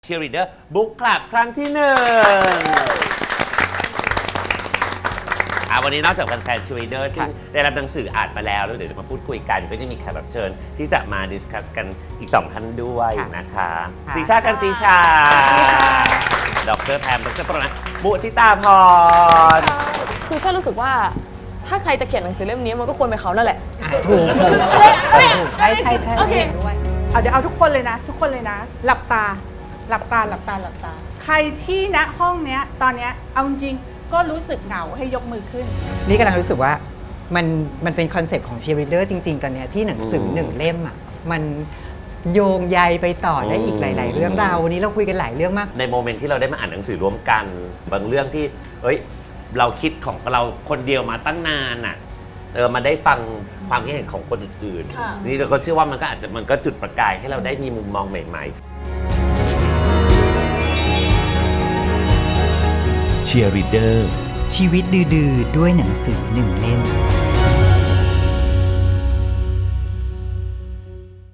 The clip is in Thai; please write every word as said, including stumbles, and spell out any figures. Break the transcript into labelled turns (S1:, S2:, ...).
S1: Cheerleader Book Club ครั้งที่หนึ่งวันนี้นอกจากแฟนๆ Cheerleader ที่ได้รับหนังสืออ่านมาแล้วแล้วเดี๋ยวจะมาพูดคุยกันก็จะมีแขกรับเชิญที่จะมาดิสคัสกันอีกสองท่านด้วยนะคะติชากันติชาดรแพมดรปรนันท์มุทิตาพร
S2: คือฉันรู้สึกว่าถ้าใครจะเขียนหนังสือเล่มนี้มันก็ควรเป็นเขานั่นแหละ
S3: ถูกถูกใช่ใช่ใช่เห็นด้วย
S4: เอาเดี๋ยวเอาทุกคนเลยนะทุกคนเลยนะหลับตาหลับตาหลับตาหลับตาใครที่ณห้องเนี้ยตอนเนี้ยเอาจริงก็รู้สึกเหงาให้ยกมือขึ้น
S3: นี่กำลังรู้สึกว่ามันมันเป็นคอนเซปต์ของเชียร์ลีดเดอร์จริงๆตอนเนี้ยที่หนังสือหนึ่งเล่มอ่ะมันโยงใยไปต่อได้อีกหลายๆเรื่องราววันนี้เราคุยกันหลายเรื่องมาก
S1: ในโมเมนต์ที่เราได้มาอ่านหนังสือร่วมกันบางเรื่องที่เอ้ยเราคิดของเราคนเดียวมาตั้งนานอ่ะเออมาได้ฟังความคิดเห็นของคนอื่นๆนี่เราก็เชื่อว่ามันก็อาจจะมันก็จุดประกายให้เราได้มีมุมมองใหม่ๆ
S5: เชียร์ลีดเดอร์
S3: ชีวิตดื้อๆด้วยหนังสือหนึ่งเล่ม